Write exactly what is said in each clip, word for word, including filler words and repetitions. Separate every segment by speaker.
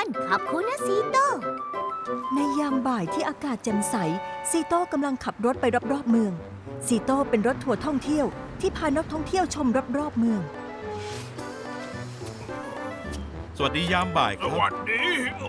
Speaker 1: ขอบคุณนะซีโต้
Speaker 2: ในยามบ่ายที่อากาศแจ่มใสซีโต้กำลังขับรถไปรอบๆเมืองซีโต้เป็นรถทัวร์ท่องเที่ยวที่พานักท่องเที่ยวชมรอบๆเมือง
Speaker 3: สวัสดียามบ่ายค
Speaker 4: ส
Speaker 3: รับ
Speaker 4: วัสดี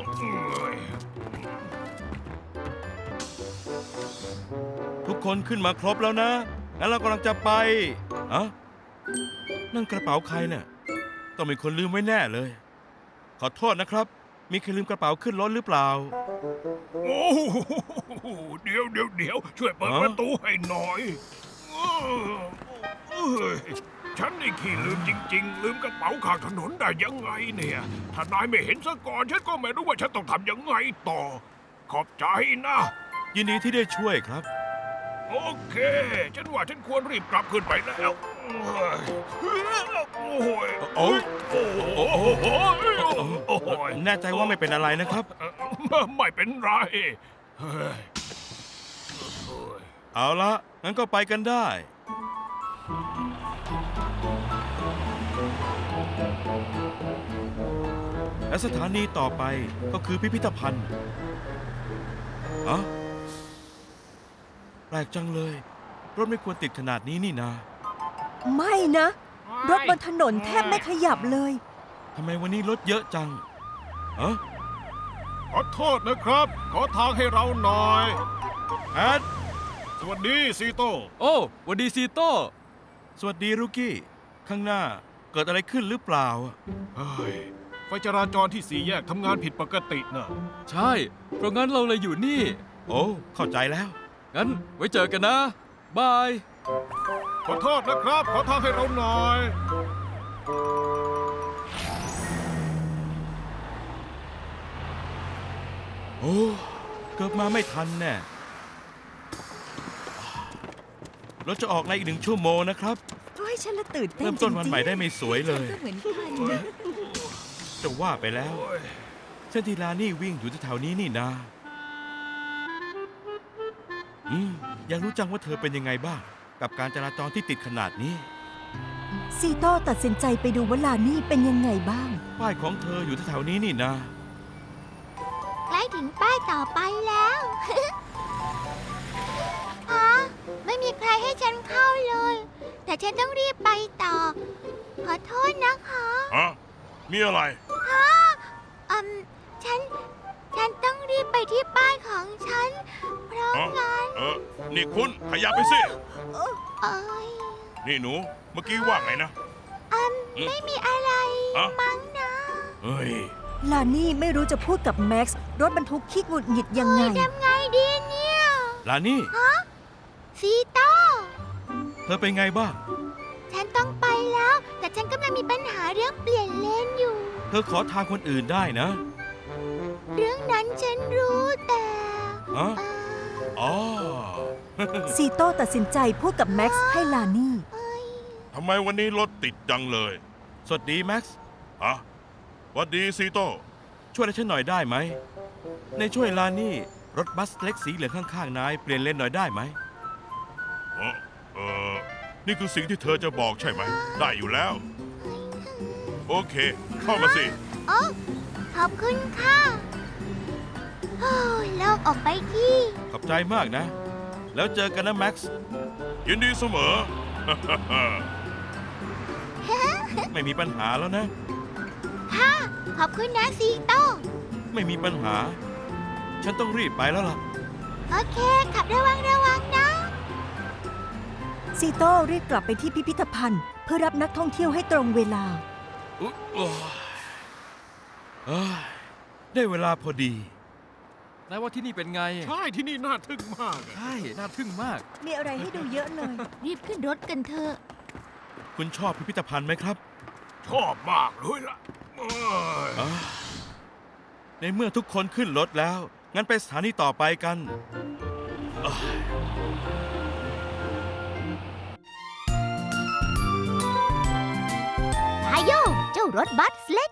Speaker 3: ทุกคนขึ้นมาครบแล้วนะงั้นเรากำลังจะไปอะนั่นกระเป๋าใครเนี่ยต้องมีคนลืมไว้แน่เลย ขอโทษนะครับ มีใครลืมกระเป๋าขึ้นรถหรือเปล่า
Speaker 4: โอ้โหเดี๋ยวเดี๋ยวเดี๋ยวช่วยเปิด
Speaker 3: ฮะ
Speaker 4: ประตูให้หน่อยเออเอ้ยฉันนี่ขี้ลืมจริง ๆ ลืมกระเป๋าข้างถนนได้ยังไงเนี่ย ถ้านายไม่เห็นซะก่อน ฉันก็ไม่รู้ว่าฉันต้องทำยังไงต่อ ขอบใจนะ
Speaker 3: ยินดีที่ได้ช่วยครับ
Speaker 4: โอเค ฉันว่าฉันควรรีบกลับขึ้นไปแล้วเอ้ยโอ้ย
Speaker 3: โอ้
Speaker 4: โอ้โหโอ้โหโอ้โห
Speaker 3: แน่ใจว่าไม่เป็นอะไรนะครับ
Speaker 4: เอ่อไม่เป็นไรเฮ้ย
Speaker 3: เอาละงั้นก็ไปกันได้ และสถานีต่อไปก็คือพิพิธภัณฑ์อะแปลกจังเลย รถไม่ควรติดขนาดนี้นี่นา
Speaker 2: ไม่นะ รถบนถนนแทบไม่ขยับเลย
Speaker 3: ทำไมวันนี้รถเยอะจังอะ
Speaker 4: ขอโทษนะครับ ขอทางให้เราหน่อย
Speaker 3: แอด
Speaker 4: สวัสดีซีโต้
Speaker 5: โอ้หวันดีซีโต้
Speaker 3: สวัสดีรุกี้ ข้างหน้าเกิดอะไรขึ้นหรือเปล่า
Speaker 4: เฮ้ยไฟจราจรที่สี่แยกทำงานผิดปกตินะ
Speaker 5: ใช่ เพราะงั้นเราเลยอยู่นี่
Speaker 3: โอ้ เข้าใจแล้ว
Speaker 5: งั้นไว้เจอกันนะ บาย
Speaker 4: ขอโทษนะครับ ขอทางให้เราหน่อย
Speaker 3: โอ้ เกือบมาไม่ทันแน่รถจะออกในอีกหนึ่งชั่วโมงนะครับ
Speaker 2: โอ้ยฉันละตื่นเต้น
Speaker 3: เริ่มต้นวันใหม่ได้
Speaker 2: จริง
Speaker 3: ไม่สวยเลย
Speaker 2: ๆก็เหมือนกันนะ
Speaker 3: จะว่าไปแล้ว เส้นที่ลานี่วิ่งอยู่แถวๆนี้นี่นา อืม อยากรู้จังว่าเธอเป็นยังไงบ้าง กับการจราจรที่ติดขนาดนี้
Speaker 2: ซีโต้ตัดสินใจไปดูว่าลานี่เป็นยังไงบ้าง
Speaker 3: ป้ายของเธออยู่แถวๆนี้นี่นา
Speaker 1: ใกล้ถึงป้ายต่อไปแล้ว ฮะไม่มีใครให้ฉันเข้าเลย แต่ฉันต้องรีบไปต่อ ขอโทษนะคะ
Speaker 4: ฮะ มีอะไร
Speaker 1: ฮะอืมฉัน ฉันต้องรีบไปที่ป้ายของฉัน เพราะ
Speaker 4: ฮะ
Speaker 1: งั้น
Speaker 4: เออ นี่คุณขยับไปสิ
Speaker 1: เอ้ย
Speaker 4: นี่หนู เมื่อกี้ว่าไงนะ
Speaker 1: อืมไม่มีอะไร
Speaker 4: ฮะ
Speaker 1: มั้งนะ
Speaker 4: เฮ้ย
Speaker 2: ลานี่ไม่รู้จะพูดกับแม็กซ์รถบรรทุกขี้หงุดหงิดยังไง
Speaker 1: ทำไงดีเนี่ย
Speaker 3: ลานี่
Speaker 1: ซีโต้
Speaker 3: เธอเป็นไงบ้าง
Speaker 1: ฉันต้องไปแล้ว แต่ฉันกำลังมีปัญหาเรื่องเปลี่ยนเลนอยู่
Speaker 3: เธอขอทางคนอื่นได้นะ
Speaker 1: เรื่องนั้นฉันรู้แต่
Speaker 3: ฮะ
Speaker 1: เอ่อ
Speaker 3: อ๋อ
Speaker 2: ซีโต้ตัดสินใจพูดกับแม็กซ์ให้ลานี่
Speaker 1: เอ้ย
Speaker 4: ทำไมวันนี้รถติดจังเลย
Speaker 3: สวัสดีแม็กซ์
Speaker 4: ฮะสวัสดีซีโต้
Speaker 3: ช่วยอะไรฉันหน่อยได้ไหม ในช่วยลานี่ รถบัสเล็กสีเหลืองข้างๆนายเปลี่ยนเลนหน่อยได้ไหม
Speaker 4: เออเออนี่คือสิ่งที่เธอจะบอกใช่ไหม ได้อยู่แล้ว โอเค เข้ามาสิ
Speaker 1: โอ้ขอบคุณค่ะโอ้ยโล่งออกไปที่
Speaker 3: ขอบใจมากนะ แล้วเจอกันนะแม็กซ์
Speaker 4: ยินดีเสมอ
Speaker 3: ไม่มีปัญหาแล้วนะ
Speaker 1: ค่ะ ขอบคุณนะซีโต้
Speaker 3: ไม่มีปัญหา ฉันต้องรีบไปแล้วล่ะ
Speaker 1: โอเค ขับระวังระวังนะ
Speaker 2: ซีโต้รีบกลับไปที่พิพิธภัณฑ์ เพื่อรับนักท่องเที่ยวให้ตรงเวลา
Speaker 3: อุ๊ยโอ้ยเอ้ยได้เวลาพอดี
Speaker 5: นายว่าที่นี่เป็นไง
Speaker 4: ใช่ที่นี่น่าทึ่งมากอะ
Speaker 5: ใช่ น่าทึ่งมาก
Speaker 2: มีอะไรให้ดูเยอะเลย
Speaker 1: รีบขึ้นรถกันเถอะ
Speaker 3: คุณชอบพิพิธภัณฑ์ไหมครับ
Speaker 4: ชอบมากเลยล่ะเอ้ย
Speaker 3: อ่าในเมื่อทุกคนขึ้นรถแล้ว งั้นไปสถานีต่อไปกันอ่า
Speaker 1: ทายโยเจ้ารถบัสเล็ก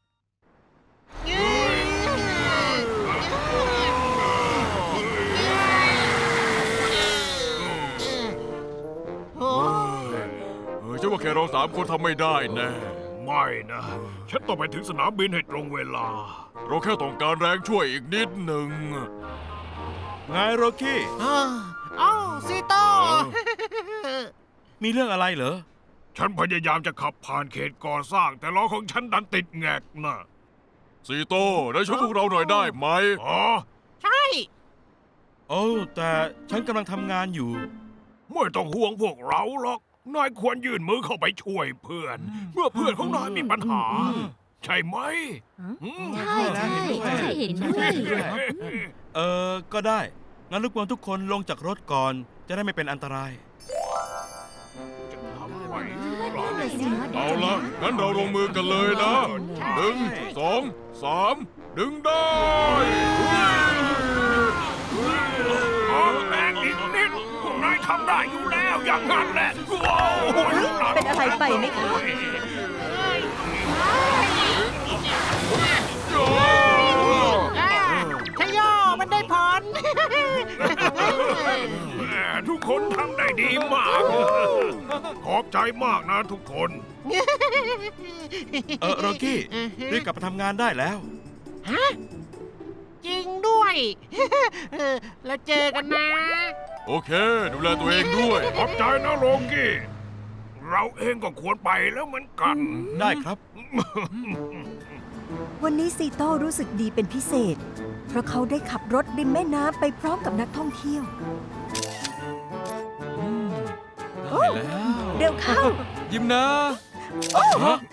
Speaker 4: เออฉันว่าแค่เราสามคนทำไม่ได้แน่ ไม่นะ ฉันต้องไปถึงสนามบินให้ตรงเวลาเราแค่ต้องการแรงช่วยอีกนิดหนึ่ง
Speaker 3: ไงโรกี้
Speaker 6: อ้าวอ้าวซีโต้
Speaker 3: มีเรื่องอะไรเหรอ
Speaker 4: ฉันพยายามจะขับผ่านเขตก่อสร้าง แต่ล้อของฉันดันติดแงกนะซีโต้ได้ช่วยพวกเราหน่อยได้ไหมอ๋อ
Speaker 6: ใช่
Speaker 3: โอ้แต่ฉันกำลังทำงานอยู่
Speaker 4: ไม่ต้องห่วงพวกเราหรอก นายควรยื่นมือเข้าไปช่วยเพื่อน เมื่อเพื่อนของนายมีปัญหา ใช่ไหมอืม
Speaker 1: ใช่ใช่ใช่เห็นด้วย
Speaker 3: เออ ก็ได้ งั้นรบกวนทุกคนลงจากรถก่อน จะได้ไม่เป็นอันตราย
Speaker 4: จะทำไหวห
Speaker 1: เอา
Speaker 4: รือเปล่า
Speaker 1: ละ
Speaker 4: เอาละงั้นเราลงมือกันเลยนะหนึ่งสองสามดึงได้ออกแรงอีกนิดพวกนายทำได้อยู่แล้วอย่างนั้นแหละว้าว
Speaker 2: เป็นอะไรไปไหมคะ
Speaker 6: อ่าชโยมันได้ผล
Speaker 4: แหมทุกคนทำได้ดีมาก ขอบใจมากนะทุกคน
Speaker 3: เออโรกี้รีบกลับมาทำงานได้แล้ว
Speaker 6: ฮะ จริงด้วย เออแล้วเจอกันนะ
Speaker 4: โอเค ดูแลตัวเองด้วย ขอบใจนะโลกี้ เราเองก็ควรไปแล้วเหมือนกัน
Speaker 3: ได้ครับ
Speaker 2: วันนี้ซีโต้รู้สึกดีเป็นพิเศษ เพราะเขาได้ขับรถริมแม่น้ำไปพร้อมกับนักท่องเที่ยว
Speaker 5: อืมได้แล้ว
Speaker 2: เร็วเข้า
Speaker 5: ยิ้มนะ
Speaker 3: ฮะ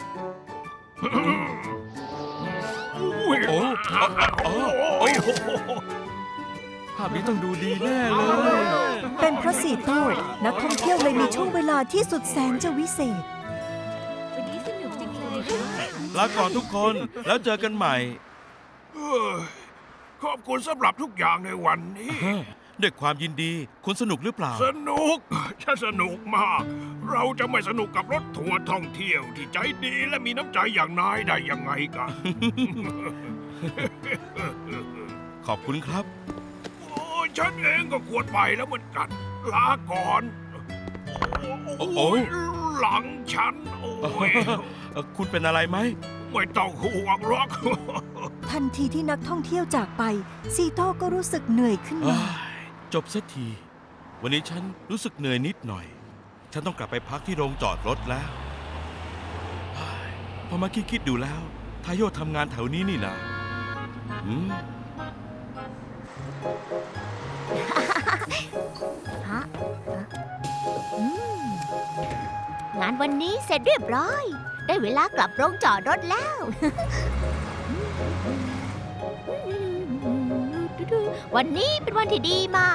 Speaker 4: อุ้ย
Speaker 3: โอ้
Speaker 4: โอ้ย
Speaker 5: ภาพนี้ต้องดูดีแน่เลย
Speaker 2: เป็นเพราะซีโต้นักท่องเที่ยวเลยมีช่วงเวลาที่สุดแสนจะวิเศษ
Speaker 1: วันนี้สนุกจังเลย
Speaker 3: ลาก่อนทุกคน แล้วเจอกันใหม่
Speaker 4: เอ้ยขอบคุณสำหรับทุกอย่างในวันนี้
Speaker 3: ด้วยความยินดี คุณสนุกหรือเปล่า
Speaker 4: สนุก ฉันสนุกมาก เราจะไม่สนุกกับรถทัวร์ท่องเที่ยวที่ใจดีและมีน้ำใจอย่างนายได้ยังไงกัน
Speaker 3: ขอบคุณครับ
Speaker 4: โอ้ยฉันเองก็ควรไปแล้วเหมือนกัน ลาก่อน
Speaker 3: โอ้โห
Speaker 4: โอ้ยหลังฉัน โอ้ย
Speaker 3: เอ่อคุณเป็นอะไรไหม
Speaker 4: ไม่ต้องห่วงหรอก
Speaker 2: ทันทีที่นักท่องเที่ยวจากไป ซีโต้ก็รู้สึกเหนื่อยขึ้น
Speaker 3: เอ้
Speaker 2: มา
Speaker 3: ยจบสักที วันนี้ฉันรู้สึกเหนื่อยนิดหน่อย ฉันต้องกลับไปพักที่โรงจอดรถแล้วเฮ้ยพอมาคิดคิดๆดูแล้ว ทาโยทำงานแถวนี้นี่นะอืม
Speaker 1: ฮะอืมงานวันนี้เสร็จเรียบร้อย ได้เวลากลับโรงจอดรถแล้ว วันนี้เป็นวันที่ดีมาก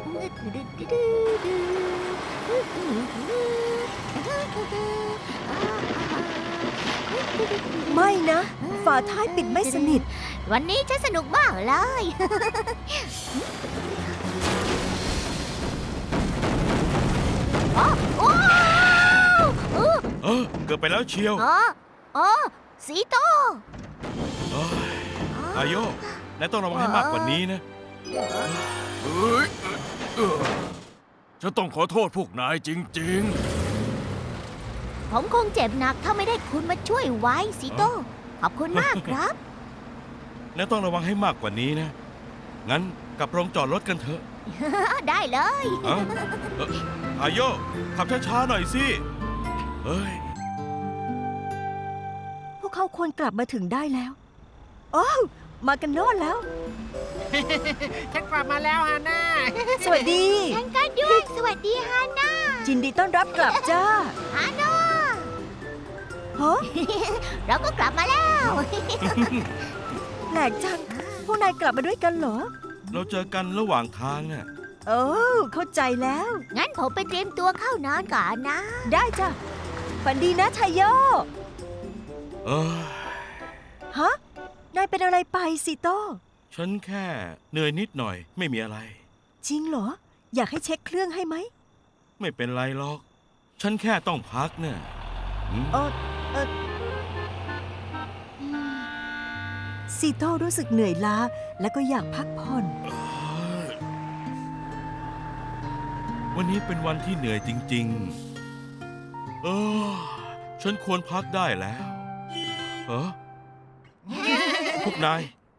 Speaker 2: ไม่นะ ฝาท้ายปิดไม่สนิท
Speaker 1: วันนี้ฉันสนุกมากเลย โอ้โอ้โอ้
Speaker 3: เออเกือบไปแล้วเชียว
Speaker 1: โอ้โอ้สีโต
Speaker 3: เอ้ยทาโยนายต้องระวังให้มากกว่านี้นะ
Speaker 4: เฮ้ยเออฉันต้องขอโทษพวกนายจริง
Speaker 1: ผมคงเจ็บหนักถ้าไม่ได้คุณมาช่วยไว้สีโต ขอบคุณมากครับ
Speaker 3: นายต้องระวังให้มากกว่านี้นะ งั้นกลับโรงจอดรถกันเถอะ
Speaker 1: ได้เลย
Speaker 3: เอ้าเอ่อทาโยขับช้าๆหน่อยสิเฮ้ย
Speaker 2: พวกเขาควรกลับมาถึงได้แล้ว โอ้วมากันโน่นแล้ว
Speaker 6: ฉันกลับมาแล้วฮาน่า
Speaker 2: สวัสดี
Speaker 1: ฉันก็ด้วย สวัสดีฮาน่า
Speaker 2: ยินดีต้อนรับกลับจ้า
Speaker 1: ฮาน่า
Speaker 2: ฮะ
Speaker 1: เราก็กลับมาแล้ว
Speaker 2: แปลกจัง พวกนายกลับมาด้วยกันเหรอ
Speaker 3: เราเจอกันระหว่างทางน่ะ
Speaker 2: โอ้เข้าใจแล้ว
Speaker 1: งั้นผมไปเตรียมตัวเข้านอนก่อนนะ
Speaker 2: ได้จ้ะฝันดีนะชายโย
Speaker 3: เออ
Speaker 2: ฮะ นายเป็นอะไรไปซีโต้
Speaker 3: ฉันแค่เหนื่อยนิดหน่อย ไม่มีอะไร
Speaker 2: จริงเหรอ อยากให้เช็คเครื่องให้ไหม
Speaker 3: ไม่เป็นไรหรอก ฉันแค่ต้องพักเนี่ยอืม
Speaker 2: เออเออซีโต้รู้สึกเหนื่อยล้า และก็อยากพักผ่อน
Speaker 3: วันนี้เป็นวันที่เหนื่อยจริงๆ เออ ฉันควรพักได้แล้วเออพวกนาย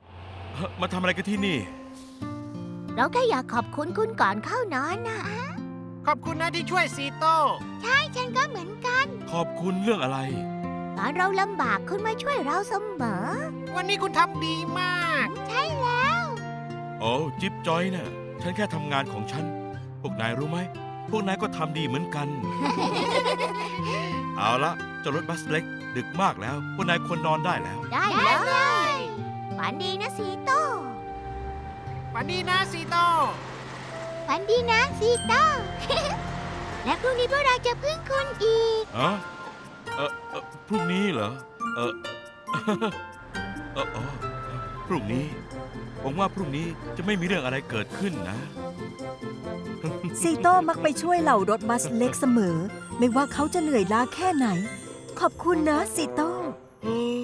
Speaker 3: เฮ้ยมาทำอะไรกันที่นี่
Speaker 1: เราแค่อยากขอบคุณคุณก่อนเข้านอนนะ
Speaker 6: ขอบคุณนะที่ช่วยซีโต้
Speaker 1: ฉันก็เหมือนกัน
Speaker 3: ขอบคุณเรื่องอะไร
Speaker 1: ตอนเราลำบากคุณมาช่วยเราเสมอ
Speaker 6: วันนี้คุณทำดีมาก
Speaker 1: ใช่แล้ว
Speaker 3: โอ้จิ๊บจอยน่ะ ฉันแค่ทำงานของฉัน พวกนายรู้ไหม พวกนายก็ทำดีเหมือนกัน เอาละเจ้ารถบัสเล็ก ดึกมากแล้ว พวกนายควรนอนได้แล้ว
Speaker 1: ได้เลยฝันดีนะซีโต้
Speaker 6: วันดีนะซีโต้
Speaker 1: ฝันดีนะซีโต้ และพรุ่งนี้พวกเราจะพึ่งคุณอีก
Speaker 3: ฮะเออเออพรุ่งนี้เหรอ เออ เออเออพรุ่งนี้หวังว่าพรุ่งนี้จะไม่มีเรื่องอะไรเกิดขึ้นนะ
Speaker 2: ซีโต้มักไปช่วยเหล่ารถบัสเล็กเสมอ ไม่ว่าเขาจะเหนื่อยล้าแค่ไหน ขอบคุณนะซีโต้
Speaker 3: เฮ้